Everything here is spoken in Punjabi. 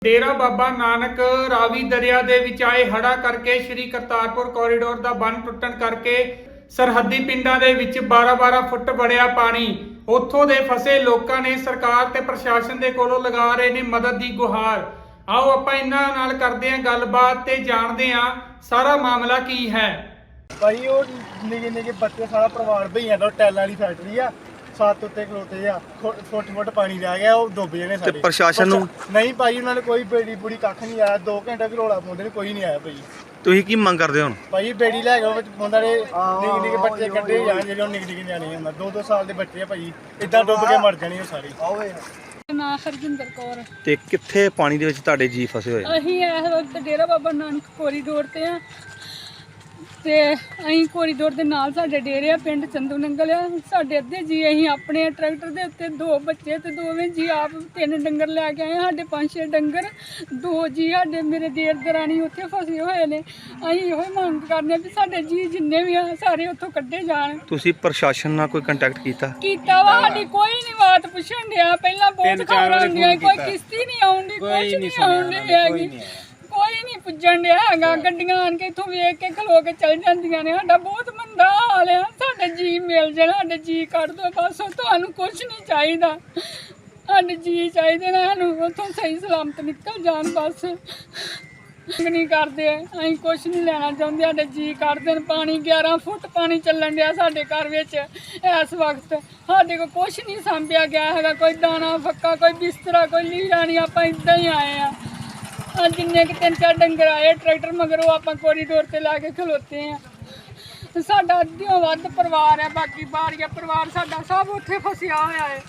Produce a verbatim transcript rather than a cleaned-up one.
ਡੇਰਾ ਬਾਬਾ ਨਾਨਕ ਰਾਵੀ ਦਰਿਆ ਦੇ ਵਿੱਚ ਆਏ ਹੜ੍ਹਾਂ ਕਰਕੇ ਸ਼੍ਰੀ ਕਰਤਾਰਪੁਰ ਕੋਰੀਡੋਰ ਦਾ ਬੰਨ ਟੁੱਟਣ ਕਰਕੇ ਸਰਹੱਦੀ ਪਿੰਡਾਂ ਦੇ ਵਿੱਚ ਬਾਰਾਂ ਬਾਰਾਂ ਫੁੱਟ ਵੜਿਆ ਪਾਣੀ। ਉੱਥੋਂ ਦੇ ਫਸੇ ਲੋਕਾਂ ਨੇ ਸਰਕਾਰ ਤੇ ਪ੍ਰਸ਼ਾਸਨ ਦੇ ਕੋਲੋਂ ਲਗਾ ਰਹੇ ਨੇ ਮਦਦ ਦੀ ਗੁਹਾਰ। ਆਓ ਆਪਾਂ ਇਹਨਾਂ ਨਾਲ ਕਰਦੇ ਹਾਂ ਗੱਲਬਾਤ ਤੇ ਜਾਣਦੇ ਹਾਂ ਸਾਰਾ ਮਾਮਲਾ ਕੀ ਹੈ। ਭਾਈ ਉਹ ਨਿੱਕੇ ਨਿੱਕੇ ਬੱਚੇ ਸਾਰਾ ਪਰਿਵਾਰ ਭਈਆਂ ਦਾ ਟੈਲਾਂ ਵਾਲੀ ਫੈਕਟਰੀ ਆ, ਸੱਤ ਉੱਤੇ ਖਲੋਤੇ ਆ, ਫੁੱਟ ਫੁੱਟ ਪਾਣੀ ਰਹਿ ਗਿਆ, ਉਹ ਡੁੱਬ ਜਾਣੇ ਸਾਰੇ। ਤੇ ਪ੍ਰਸ਼ਾਸਨ ਨੂੰ ਨਹੀਂ ਭਾਈ, ਉਹਨਾਂ ਨੇ ਕੋਈ ਬੇੜੀ ਬੁੜੀ ਕੱਖ ਨਹੀਂ ਆਇਆ। ਦੋ ਘੰਟੇ ਵੀ ਰੋਲਾ ਪਾਉਂਦੇ ਨੇ, ਕੋਈ ਨਹੀਂ ਆਇਆ ਭਾਈ। ਤੁਸੀਂ ਕੀ ਮੰਗ ਕਰਦੇ ਹੋ ਹੁਣ? ਭਾਈ ਬੇੜੀ ਲੈ ਕੇ ਉਹਨਾਂ ਦੇ ਨਿੱਕੇ ਨਿੱਕੇ ਬੱਚੇ ਕੱਢੇ ਜਾਣ, ਜਿਹੜੇ ਨਿੱਕੇ ਨਿੱਕੇ ਨਿਆਣੇ ਹੁੰਦਾ, ਦੋ ਦੋ ਸਾਲ ਦੇ ਬੱਚੇ ਆ ਭਾਈ, ਇਦਾਂ ਡੁੱਬ ਕੇ ਮਰ ਜਾਣੇ ਉਹ ਸਾਰੇ। ਨਾ ਹਰਜਿੰਦਰ ਕੌਰ। ਤੇ ਕਿੱਥੇ ਪਾਣੀ ਦੇ ਵਿੱਚ ਤੁਹਾਡੇ ਜੀ ਫਸੇ ਹੋਏ? ਅਸੀਂ ਇਸ ਵਕਤ ਡੇਰਾ ਬਾਬਾ ਨਾਨਕ ਕੋਰੀਡੋਰ ਤੇ ਆ ਤੇ ਅਸੀਂ ਕੋਰੀਡੋਰ ਦੇ ਨਾਲ ਸਾਡੇ ਡੇਰੇ ਆ, ਪਿੰਡ ਚੰਦੂ ਨੰਗਲ ਆ। ਸਾਡੇ ਅੱਧੇ ਜੀ ਅਸੀਂ ਆਪਣੇ ਟਰੈਕਟਰ ਦੇ ਉੱਤੇ, ਦੋ ਬੱਚੇ ਤੇ ਦੋਵੇਂ ਜੀ ਆਪ ਤਿੰਨ ਡੰਗਰ ਲੈ ਕੇ ਆਏ। ਸਾਡੇ ਪੰਜ ਛੇ ਡੰਗਰ, ਦੋ ਜੀ ਸਾਡੇ ਮੇਰੇ ਦੇਰ ਦਰਾਣੀ ਉੱਥੇ ਫਸੇ ਹੋਏ ਨੇ। ਅਸੀਂ ਇਹੋ ਹੀ ਮੰਗ ਕਰਦੇ ਆ ਵੀ ਸਾਡੇ ਜੀ ਜਿੰਨੇ ਵੀ ਆ ਸਾਰੇ ਉੱਥੋਂ ਕੱਢੇ ਜਾਣ। ਤੁਸੀਂ ਪ੍ਰਸ਼ਾਸਨ ਨਾਲ ਕੋਈ ਕੰਟੈਕਟ ਕੀਤਾ? ਕੀਤਾ ਵਾ, ਸਾਡੀ ਕੋਈ ਨਹੀਂ ਬਾਤ ਪੁੱਛਣ ਡਿਆ। ਪਹਿਲਾਂ ਬਹੁਤ ਖਬਰਾਂ ਹੁੰਦੀਆਂ, ਕੋਈ ਕਿਸ਼ਤੀ ਨਹੀਂ ਆਉਂਦੀ, ਕੁਛ ਨਹੀਂ ਆਉਂਦੀ ਹੈਗੀ, ਕੋਈ ਨਹੀਂ ਪੁੱਜਣ ਡਿਆ ਹੈਗਾ। ਗੱਡੀਆਂ ਆਣ ਕੇ ਇੱਥੋਂ ਵੇਖ ਕੇ ਖਲੋ ਕੇ ਚਲ ਜਾਂਦੀਆਂ ਨੇ। ਸਾਡਾ ਬਹੁਤ ਮੰਦਾ ਹਾਲ ਆ। ਸਾਡੇ ਜੀ ਮਿਲ ਜਾਣ, ਸਾਡੇ ਜੀ ਕੱਢ ਦਿਓ ਬਸ। ਤੁਹਾਨੂੰ ਕੁਛ ਨਹੀਂ ਚਾਹੀਦਾ, ਸਾਡੇ ਜੀ ਚਾਹੀਦੇ ਨੇ ਸਾਨੂੰ, ਉੱਥੋਂ ਸਹੀ ਸਲਾਮਤ ਨਿਕਲ ਜਾਣ ਬਸ। ਨਹੀਂ ਕਰਦੇ, ਅਸੀਂ ਕੁਛ ਨਹੀਂ ਲੈਣਾ ਚਾਹੁੰਦੇ, ਸਾਡੇ ਜੀ ਕੱਢ ਦੇਣ। ਪਾਣੀ ਗਿਆਰਾਂ ਫੁੱਟ ਪਾਣੀ ਚੱਲਣ ਡਿਆ ਸਾਡੇ ਘਰ ਵਿੱਚ ਇਸ ਵਕਤ। ਸਾਡੇ ਕੋਲ ਕੁਛ ਨਹੀਂ ਸਾਂਭਿਆ ਗਿਆ ਹੈਗਾ, ਕੋਈ ਦਾਣਾ ਫੱਕਾ, ਕੋਈ ਬਿਸਤਰਾ, ਕੋਈ ਲੀੜਾ ਨਹੀਂ। ਆਪਾਂ ਇੱਦਾਂ ਹੀ ਆਏ ਆ। ਆ ਜਿੰਨੇ ਕਿ ਤਿੰਨ ਚਾਰ ਡੰਗਰ ਆਏ ਟਰੈਕਟਰ ਮਗਰੋਂ, ਆਪਾਂ ਕੋਰੀਡੋਰ ਤੇ ਲਾ ਕੇ ਖਲੋਤੇ ਆ। ਸਾਡਾ ਅੱਧਿਓਂ ਵੱਧ ਪਰਿਵਾਰ ਹੈ, ਬਾਕੀ ਬਾਰੀਆ ਪਰਿਵਾਰ ਸਾਡਾ ਸਭ ਉੱਥੇ ਫਸਿਆ ਹੋਇਆ ਹੈ।